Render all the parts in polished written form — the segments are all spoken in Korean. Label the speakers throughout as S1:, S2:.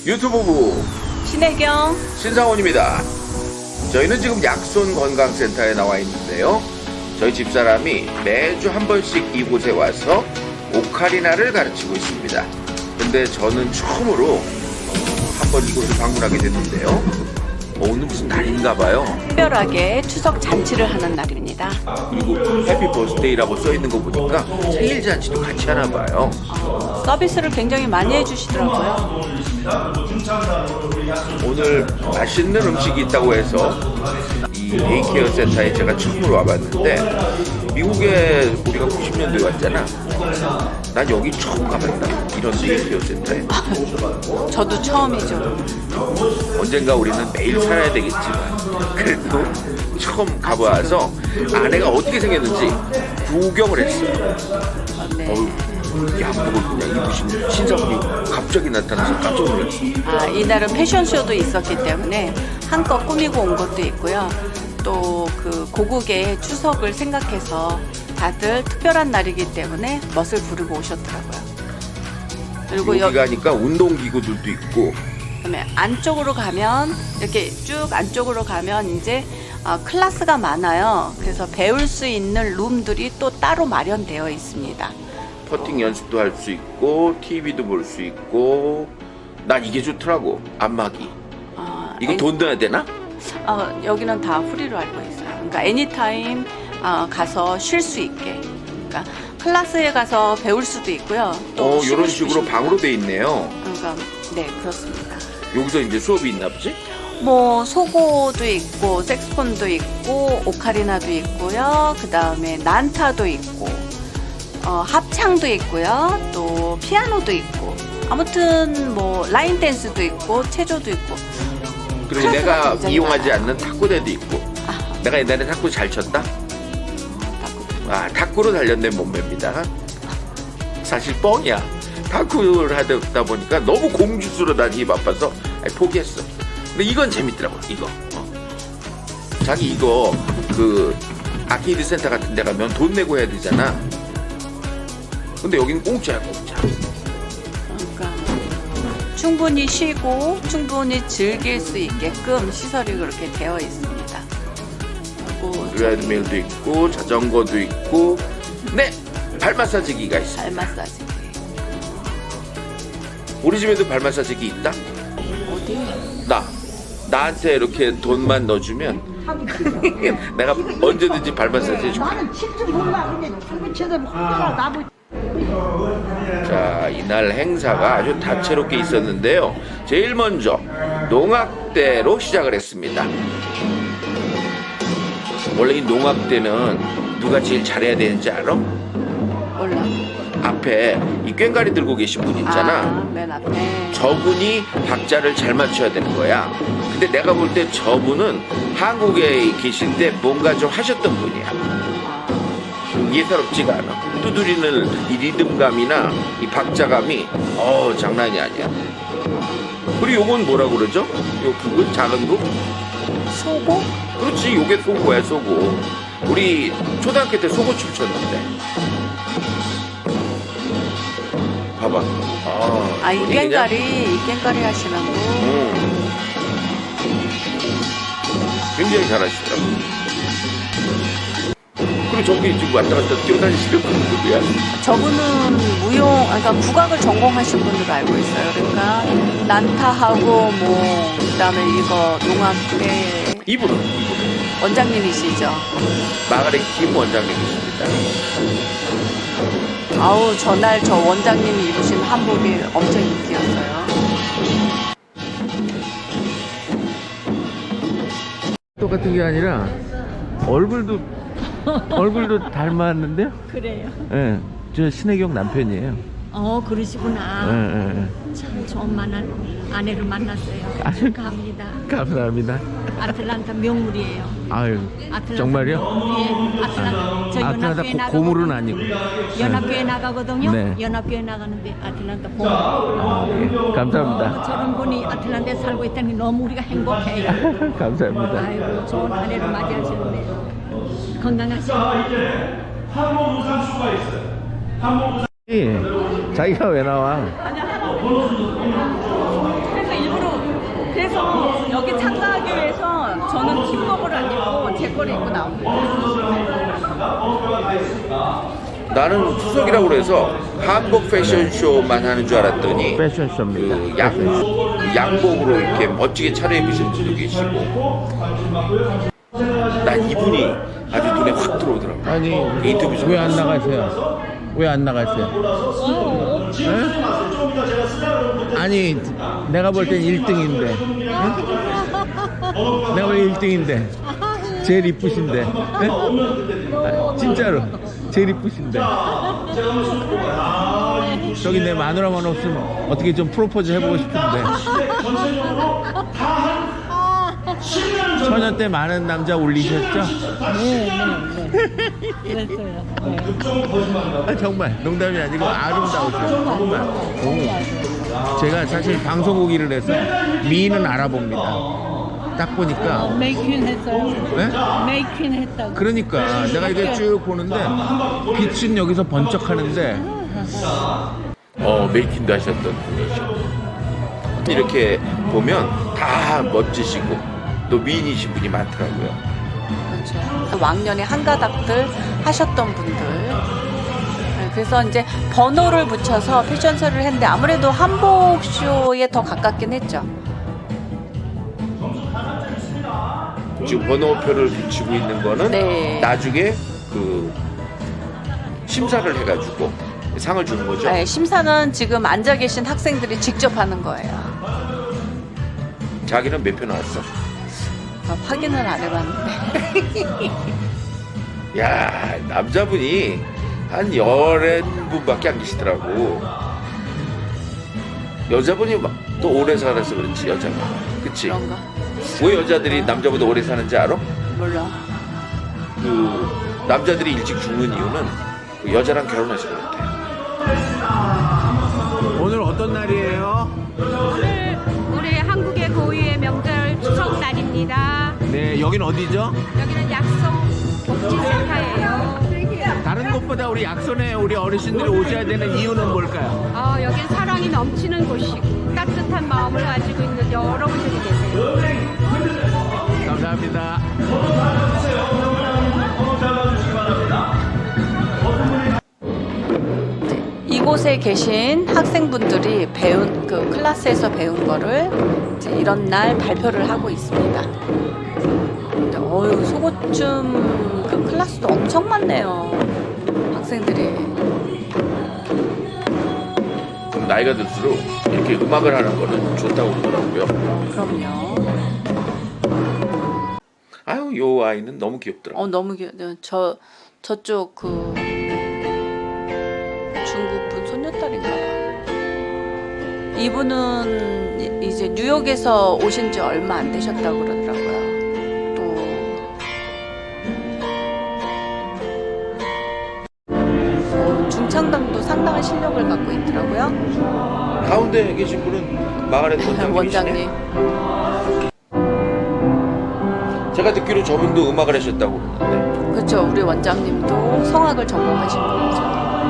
S1: 유튜브부
S2: 신혜경
S1: 신상원입니다. 저희는 지금 약손 건강센터에 나와 있는데요. 저희 집사람이 매주 한 번씩 이곳에 와서 오카리나를 가르치고 있습니다. 근데 저는 처음으로 한번 이곳을 방문하게 됐는데요. 오늘 무슨 날인가 봐요.
S2: 특별하게 추석 잔치를 하는 날입니다.
S1: 그리고 해피 버스데이라고 써있는 거 보니까 생일 잔치도 같이 하나 봐요.
S2: 서비스를 굉장히 많이 해주시더라고요.
S1: 오늘 맛있는 음식이 있다고 해서 이 데이케어 센터에 제가 처음으로 와봤는데, 미국에 우리가 90년도에 왔잖아. 난 여기 처음 가봤다, 이런 데이케어 센터에.
S2: 저도 처음이죠.
S1: 언젠가 우리는 매일 살아야 되겠지만 그래도 처음 가봐서 아내가 어떻게 생겼는지 구경을 했어요.
S2: 네.
S1: 양복을 그냥 입으신 신사분이 갑자기 나타나서 깜짝 놀랐어.
S2: 이날은 패션쇼도 있었기 때문에 한껏 꾸미고 온 것도 있고요. 또 그 고국의 추석을 생각해서 다들 특별한 날이기 때문에 멋을 부르고 오셨더라고요. 그리고
S1: 여기 가니까 운동기구들도 있고,
S2: 그다음에 안쪽으로 가면 이렇게 쭉 안쪽으로 가면 이제 클래스가 많아요. 그래서 배울 수 있는 룸들이 또 따로 마련되어 있습니다.
S1: 퍼팅 연습도 할 수 있고 TV도 볼 수 있고. 난 이게 좋더라고, 안마기. 이거 돈 내야 되나?
S2: 여기는 다 프리로 알고 있어요. 그러니까 애니타임 가서 쉴 수 있게. 그러니까 클래스에 가서 배울 수도 있고요. 또
S1: 이런 식으로 방으로 돼 있네요.
S2: 그러니까 네, 그렇습니다.
S1: 여기서 이제 수업이 있나 보지?
S2: 뭐 소고도 있고 색스폰도 있고 오카리나도 있고요. 그 다음에 난타도 있고 합창도 있고요. 또 피아노도 있고, 아무튼 뭐 라인 댄스도 있고 체조도 있고.
S1: 그리고 내가
S2: 굉장히
S1: 이용하지
S2: 많아요.
S1: 않는 탁구대도 있고. 내가 옛날에 탁구 잘 쳤다? 탁구로 단련된 몸매입니다. 사실 뻥이야. 탁구를 하다 보니까 너무 공주스러 다니기 바빠서 포기했어. 근데 이건 재밌더라고, 이거. 자기 이거 그 아케이드 센터 같은 데 가면 돈 내고 해야 되잖아. 근데 여기는 공짜야, 공짜.
S2: 그러니까 충분히 쉬고 충분히 즐길 수 있게끔 시설이 그렇게 되어 있습니다.
S1: 트레드밀도 있고 자전거도 있고, 네, 발 마사지기가 있어.
S2: 발 마사지.
S1: 우리 집에도 발 마사지기 있다?
S2: 어디?
S1: 나한테 이렇게 돈만 넣어주면 내가 언제든지 발 마사지 해줄게.
S3: 나는 칠줄 몰라. 근데 한국에서 혼자가 나무.
S1: 자, 이날 행사가 아주 다채롭게 있었는데요. 제일 먼저 농악대로 시작을 했습니다. 원래 이 농악대는 누가 제일 잘해야 되는지 알아?
S2: 몰라.
S1: 앞에 이 꽹과리 들고 계신 분 있잖아.
S2: 맨 앞에.
S1: 저분이 박자를 잘 맞춰야 되는 거야. 근데 내가 볼 때 저분은 한국에 계실 때 뭔가 좀 하셨던 분이야. 예사롭지가 않아. 두드리는 이 리듬감이나 이 박자감이 장난이 아니야. 그리고 요건 뭐라 그러죠? 요 북은 작은 북?
S2: 소고?
S1: 그렇지, 요게 소고야, 소고. 우리 초등학교 때 소고춤 췄는데. 봐봐.
S2: 이 꽹과리 하시는 분.
S1: 굉장히 잘하시더라고. 그리고 저기 지금 왔다 갔다 뛰어다니시는 분은 누구야?
S2: 저분은 그러니까 국악을 전공하신 분으로 알고 있어요. 그러니까 난타하고 그다음에 이거 농악대
S1: 이분은
S2: 원장님이시죠.
S1: 마가렛 김 원장님이십니다.
S2: 전날 저 원장님이 입으신 한복이 엄청 인기였어요.
S1: 똑같은 게 아니라 얼굴도 닮았는데요?
S4: 그래요?
S1: 예, 저 신혜경 남편이에요.
S4: 그러시구나.
S1: 예.
S4: 참 좋은 아내를 만났어요.
S1: 아유,
S4: 축하합니다.
S1: 감사합니다.
S4: 아틀란타 명물이에요.
S1: 아유,
S4: 아틀란타
S1: 정말요?
S4: 명물이에요. 아틀란타
S1: 아틀란타 고물은 아니고.
S4: 연합교회 나가거든요.
S1: 네.
S4: 연합교회 나가는데 아틀란타 고물.
S1: 예, 감사합니다.
S4: 저런 분이 아틀란타에 살고 있다는 게 너무 우리가 행복해요.
S1: 감사합니다.
S4: 아이고 좋은 아내를 맞이하셨네요. 건강하시고.
S1: 자기가 왜 나와?
S4: 저는 팀복을 안 입고 제 거를 입고 나옵니다.
S1: 나는 추석이라고 그래서 한복 패션쇼만 하는 줄 알았더니
S5: 패션쇼입니다.
S1: 그 양복으로 이렇게 멋지게 차려입으신 분도 계시고, 난 이분이 아주 눈에 확 들어오더라고.
S5: 아니
S1: 인터뷰 좀
S5: 왜 안 나가세요? 왜 안 나가세요? 에? 아니 내가 볼 땐 1등인데 내가 볼 땐 1등인데 제일 이쁘신데 에? 아, 진짜로 제일 이쁘신데 저기 내 마누라만 없으면 어떻게 좀 프로포즈 해보고 싶은데 처녀 때 많은 남자 올리셨죠?
S4: 그랬어요.
S5: 아, 정말 농담이 아니고 아름다우세요. 정말. 제가 사실 방송국 일을 해서 미인은 알아봅니다. 딱 보니까
S4: 메이퀸 했어요.
S5: 네?
S4: 메이퀸 했다고.
S5: 그러니까 내가 이게 쭉 보는데 빛은 여기서 번쩍하는데
S1: 메이킹도 하셨던 분이죠. 이렇게 보면 다 멋지시고 또 미인이신 분이 많더라고요.
S2: 그렇죠. 왕년에 한가닥들 하셨던 분들. 네, 그래서 이제 번호를 붙여서 패션쇼를 했는데 아무래도 한복쇼에 더 가깝긴 했죠.
S1: 지금 번호표를 붙이고 있는 거는
S2: 네.
S1: 나중에 그 심사를 해가지고 상을 주는 거죠.
S2: 네, 심사는 지금 앉아 계신 학생들이 직접 하는 거예요.
S1: 자기는 몇 표 나왔어?
S2: 확인을 안 해봤는데.
S1: 야, 남자분이 한 11분밖에 안 계시더라고. 여자분이 막 또 오래 살아서 그렇지, 여자가. 그치?
S2: 그런가?
S1: 왜 여자들이 남자보다 오래 사는지 알아?
S2: 몰라.
S1: 그 남자들이 일찍 죽는 이유는 그 여자랑 결혼해서 그렇대.
S5: 오늘 어떤 날이에요?
S6: 오늘 우리 한국의 고유의 명절 추석 날입니다.
S5: 네, 여긴 어디죠?
S6: 여기는 약속 복지센터예요.
S5: 다른 곳보다 우리 약손에 우리 어르신들이 오셔야 되는 이유는 뭘까요?
S6: 여긴 사랑이 넘치는 곳이고 따뜻한 마음을 가지고 있는 여러분들이 계세요.
S5: 감사합니다.
S2: 이곳에 계신 학생분들이 배운 그 클래스에서 배운 거를 이제 이런 날 발표를 하고 있습니다. 근데 소고춤 그 클래스도 엄청 많네요. 학생들이.
S1: 나이가 들수록 이렇게 음악을 하는 거는 좋다고 그러더라고요.
S2: 그럼요.
S1: 아유, 요 아이는 너무 귀엽더라고.
S2: 너무 저쪽 그 중국분 손녀딸인가 봐. 이분은 이제 뉴욕에서 오신 지 얼마 안 되셨다고 그러더라고요. 또 중창단도 상당한 실력을 갖고 있더라고요.
S1: 가운데 계신 분은 마가렛 원장님이시네.
S2: 원장님.
S1: 제가 듣기로 저분도 음악을 하셨다고 그러는데.
S2: 그렇죠. 우리 원장님도 성악을 전공하신 분이죠.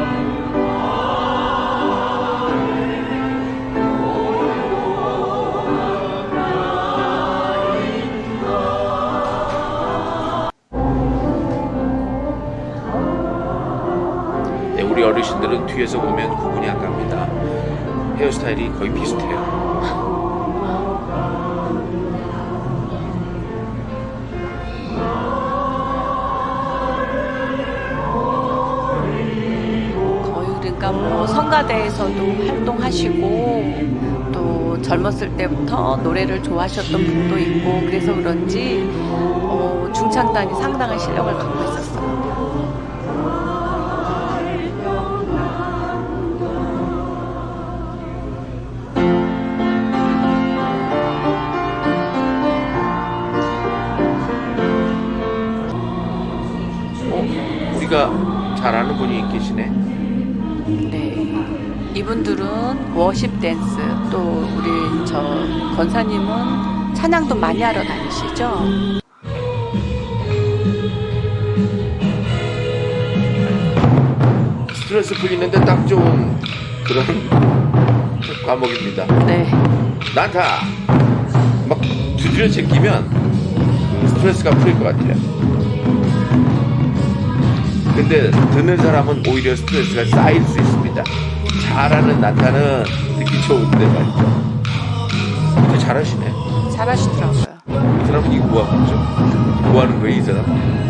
S1: 네, 우리 어르신들은 뒤에서 보면 구분이 안 갑니다. 헤어스타일이 거의 비슷해요.
S2: 그러니까 뭐 성가대에서도 활동하시고 또 젊었을 때부터 노래를 좋아하셨던 분도 있고 그래서 그런지 중창단이 상당한 실력을 갖고 있었어요.
S1: 우리가 잘 아는 분이 계시네.
S2: 네, 이분들은 워십 댄스 또 우리 저 권사님은 찬양도 많이 하러 다니시죠.
S1: 스트레스 풀리는데 딱 좋은 그런 과목입니다.
S2: 네,
S1: 난타 막 두드려 제끼면 스트레스가 풀릴 것 같아요. 근데 듣는 사람은 오히려 스트레스가 쌓일 수 있습니다. 잘하는 난타는 듣기 좋은데 말이죠. 근데 잘하시네.
S2: 잘하시더라고요.
S1: 이 사람은 이거 뭐하고 있죠? 뭐하는 거예요 이 사람?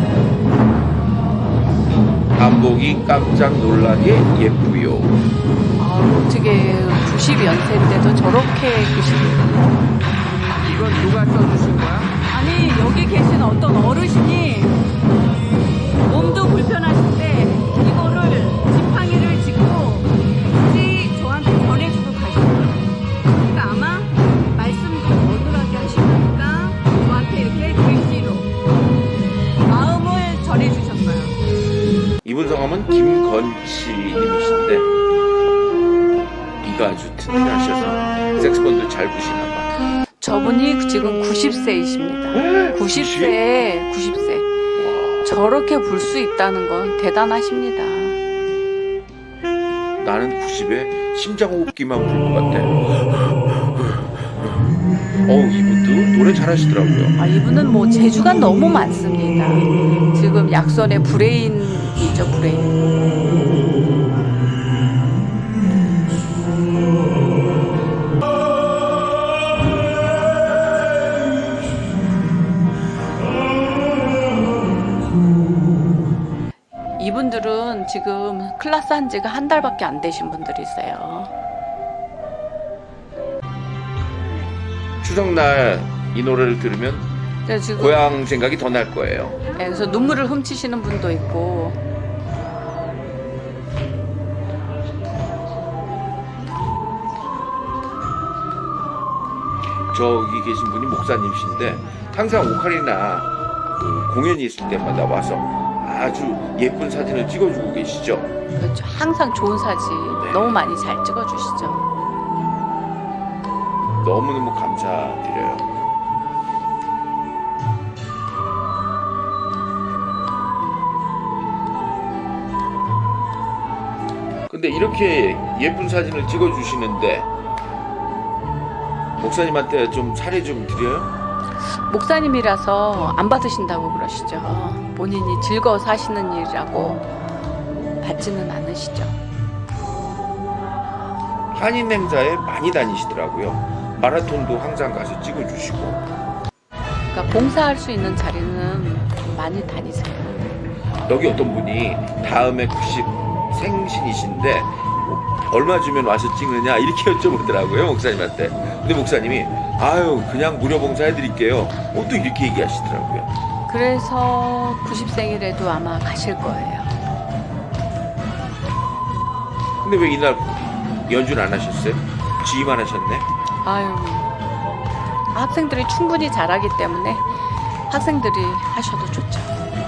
S1: 한복이 깜짝 놀라게 예쁘요.
S2: 어떻게 90연세인데도 저렇게 계시는.
S1: 이건 누가 써주신 거야?
S6: 아니 여기 계신 어떤 어르신이 몸도 불편하신데 이거를 지팡이를 짚고 굳이 저한테 전해주고 가셨어요. 그러니까 아마 말씀도 어눌하게 하시니까 저한테 이렇게 글씨로 마음을 전해주셨어요.
S1: 이분 성함은 김건치 님이신데 이가 아주 튼튼하셔서 색스폰도 잘 부시나 봐.
S2: 저분이 지금 90세이십니다. 90세. 저렇게 불 수 있다는 건 대단하십니다.
S1: 나는 90에 심장호흡기만 부를 것 같아. 이분도 노래 잘하시더라고요.
S2: 이분은 뭐 재주가 너무 많습니다. 지금 약선의 브레인이죠, 브레인. 이분들은 지금 클래스 한 지가 한 달밖에 안 되신 분들이세요.
S1: 추석날 이 노래를 들으면
S2: 그래서 지금
S1: 고향 생각이 더 날 거예요.
S2: 그래서 눈물을 훔치시는 분도 있고.
S1: 저기 계신 분이 목사님이신데 항상 오카리나 공연이 있을 때마다 와서 아주 예쁜 사진을 찍어주고 계시죠.
S2: 그렇죠. 항상 좋은 사진 너무 많이 잘 찍어주시죠.
S1: 너무너무 감사드려요. 근데 이렇게 예쁜 사진을 찍어주시는데 목사님한테 좀 사례 좀 드려요?
S2: 목사님이라서 안 받으신다고 그러시죠. 본인이 즐거워서 하시는 일이라고 받지는 않으시죠.
S1: 한인 행사에 많이 다니시더라고요. 마라톤도 항상 가서 찍어주시고.
S2: 그러니까 봉사할 수 있는 자리는 많이 다니세요.
S1: 여기 어떤 분이 다음에 90 생신이신데 얼마 주면 와서 찍느냐 이렇게 여쭤보더라고요 목사님한테. 근데 목사님이 아유 그냥 무료 봉사해드릴게요. 또 이렇게 얘기하시더라고요.
S2: 그래서 90생일에도 아마 가실 거예요.
S1: 근데 왜 이날 연주는 안 하셨어요? 지휘만 하셨네?
S2: 아유, 학생들이 충분히 잘하기 때문에 학생들이 하셔도 좋죠.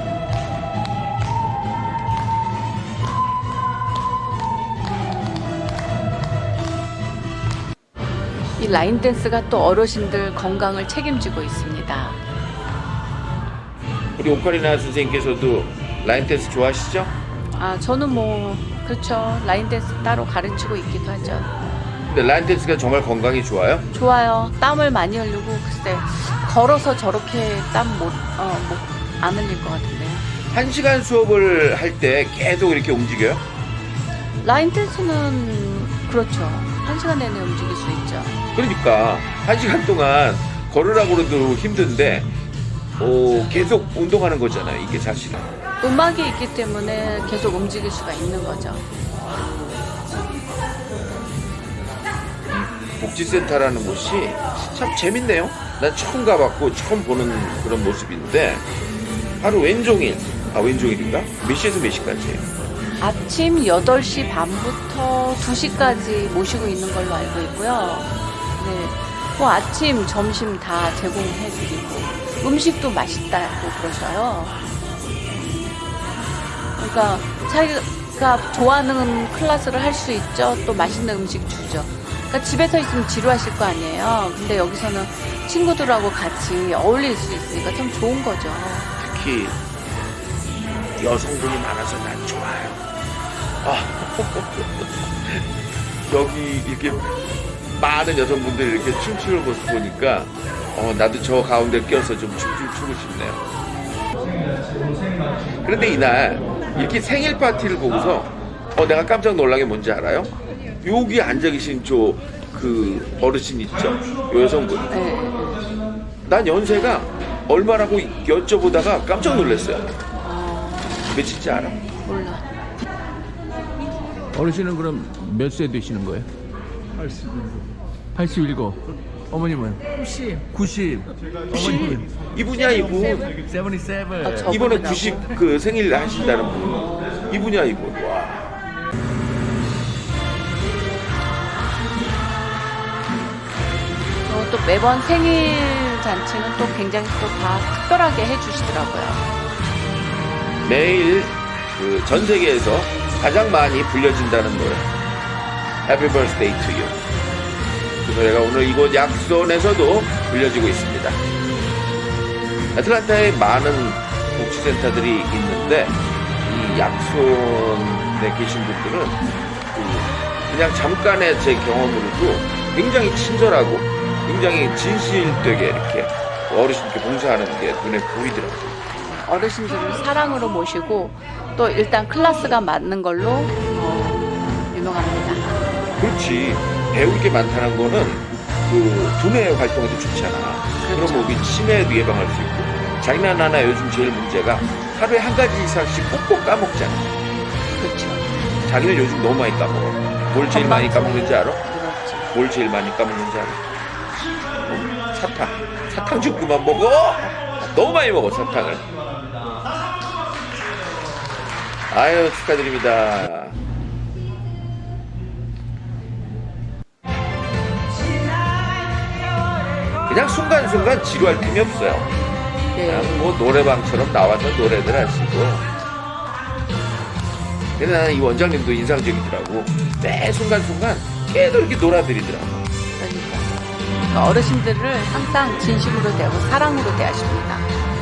S2: 이 라인 댄스가 또 어르신들 건강을 책임지고 있습니다.
S1: 우리 오카리나 선생님께서도 라인 댄스 좋아하시죠?
S2: 저는 뭐 그렇죠. 라인 댄스 따로 가르치고 있기도 하죠.
S1: 근데 라인 댄스가 정말 건강에 좋아요?
S2: 좋아요. 땀을 많이 흘리고 글쎄 걸어서 저렇게 땀 안 흘릴 것 같은데요.
S1: 1시간 수업을 할 때 계속 이렇게 움직여요?
S2: 라인 댄스는 그렇죠. 1시간 내내 움직일 수 있죠.
S1: 그러니까 1시간 동안 걸으라고 그래도 힘든데 계속 운동하는 거잖아요. 이게 사실은.
S2: 음악이 있기 때문에 계속 움직일 수가 있는 거죠.
S1: 복지센터라는 곳이 참 재밌네요. 난 처음 가봤고 처음 보는 그런 모습인데 하루 왼종일, 왼종일인가? 몇 시에서 몇 시까지예요?
S2: 아침 8시 반부터 2시까지 모시고 있는 걸로 알고 있고요. 네, 뭐 아침, 점심 다 제공해드리고 음식도 맛있다고 그러셔요. 그러니까 자기가 좋아하는 클래스를 할 수 있죠. 또 맛있는 음식 주죠. 그러니까 집에서 있으면 지루하실 거 아니에요. 근데 여기서는 친구들하고 같이 어울릴 수 있으니까 참 좋은 거죠.
S1: 특히 여성분이 많아서 난 좋아요. 여기 이렇게 많은 여성분들이 이렇게 춤추는 모습 보니까 나도 저 가운데 껴서 좀 춤 좀 추고 싶네요. 그런데 이날 이렇게 생일 파티를 보고서 내가 깜짝 놀란 게 뭔지 알아요? 여기 앉아 계신 그 어르신 있죠? 요 여성분.
S2: 네.
S1: 난 연세가 얼마라고 여쭤보다가 깜짝 놀랐어요. 몇인지 알아?
S2: 몰라.
S5: 어르신은 그럼 몇 세 되시는 거예요? 87. 어머님은? 90. 어머님.
S1: 이분이야 이분.
S5: 77.
S2: 저-
S1: 이번에
S2: 저분이라고?
S1: 90 그 생일 하신다는 분. 이분이야 이분. 와.
S2: 또 매번 생일 잔치는 또 굉장히 또 다 특별하게 해주시더라고요.
S1: 매일 그 전 세계에서 가장 많이 불려진다는 노래 Happy Birthday to You. 그 노래가 오늘 이곳 약손에서도 불려지고 있습니다. 애틀란타에 많은 복지센터들이 있는데 이 약손에 계신 분들은 그냥 잠깐의 제 경험으로도 굉장히 친절하고 굉장히 진실되게 이렇게 어르신께 봉사하는 게 눈에 보이더라고요.
S2: 어르신들을 사랑으로 모시고 또 일단 클래스가 맞는 걸로 유명합니다.
S1: 그렇지. 배울 게 많다는 거는 그 두뇌 활동에도 좋잖아.
S2: 그렇죠.
S1: 그럼 우리 치매에도 예방할 수 있고. 자기는 하나 요즘 제일 문제가 하루에 한 가지 이상씩 꼭꼭 까먹잖아.
S2: 그렇죠.
S1: 자기는 요즘 너무 많이 까먹어. 뭘 제일 많이 까먹는지 알아?
S2: 그렇지.
S1: 뭘 제일 많이 까먹는지 알아? 사탕. 사탕 좀 그만 먹어. 너무 많이 먹어 사탕을. 아유 축하드립니다. 그냥 순간순간 지루할 틈이 없어요.
S2: 네.
S1: 그냥 뭐 노래방처럼 나와서 노래들 하시고. 근데 나는 이 원장님도 인상적이더라고. 매 순간순간 계속 이렇게 놀아드리더라고.
S2: 그러니까 어르신들을 항상 진심으로 대하고 사랑으로 대하십니다.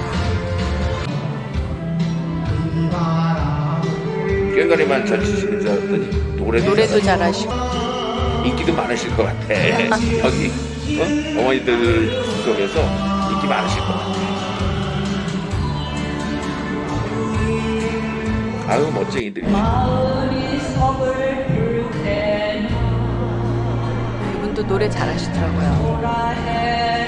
S1: 꽹과리만 잘 치시는 줄 알았더니
S2: 노래도 잘하시고.
S1: 인기도 많으실 것 같아. 여기 어머니들 속에서 인기 많으실 것 같아. 아유 멋쟁이들이.
S2: 이분도 노래 잘하시더라고요.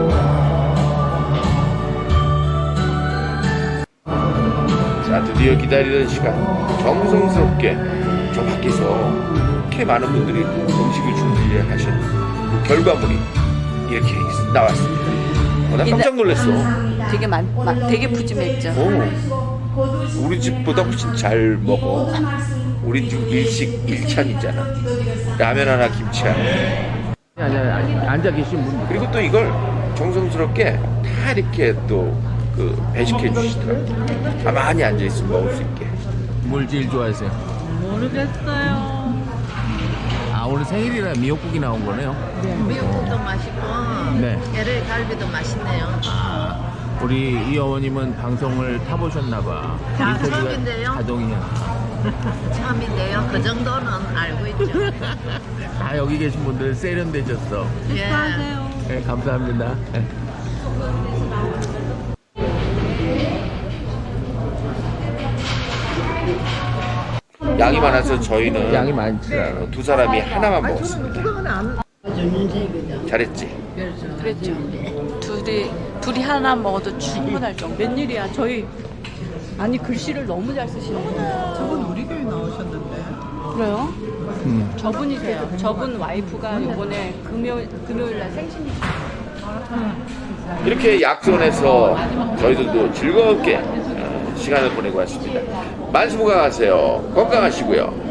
S1: 자 드디어 기다리던 시간 정성스럽게 저 밖에서 이렇게 많은 분들이 음식을 준비하신 그 결과물이 이렇게 나왔습니다. 나 깜짝 놀랐어.
S2: 되게 푸짐했죠.
S1: 우리 집보다 훨씬 잘 먹어. 우리 집 일식 1찬이잖아. 라면 하나 김치 하나.
S5: 아니, 앉아 계신 분들.
S1: 그리고 또 이걸 정성스럽게 다 이렇게 또 그 배식해 주시더라고요. 많이 앉아 있으면 먹을 수 있게.
S5: 뭘 제일 좋아하세요?
S4: 모르겠어요.
S5: 아, 오늘 생일이라 미역국이 나온 거네요.
S7: 미역국도 맛있고
S5: 네.
S7: LA 갈비도 맛있네요.
S5: 아, 우리 이 어머님은 방송을 타보셨나봐.
S7: 자,
S5: 인터뷰가
S7: 처음인데요?
S5: 자동이야.
S7: 처음인데요. 그 정도는 알고 있죠.
S5: 다 여기 계신 분들 세련되셨어.
S7: 예.
S5: 네, 감사합니다. 네.
S1: 양이 많아서 저희는
S5: 양이 많지 않아.
S1: 두 사람이 하나만 먹었습니다. 잘했지?
S2: 그랬죠. 둘이 하나 먹어도 충분할 정도.
S4: 웬일이야? 저희 아니 글씨를 너무 잘 쓰시네요.
S3: 저분 우리 교회 나오셨는데.
S2: 그래요?
S4: 저분이세요. 저분 와이프가 요번에 금요일 날 생신이시죠.
S1: 이렇게 약손에서 저희들도 즐겁게 시간을 보내고 왔습니다. 만수무강하세요. 건강하시고요.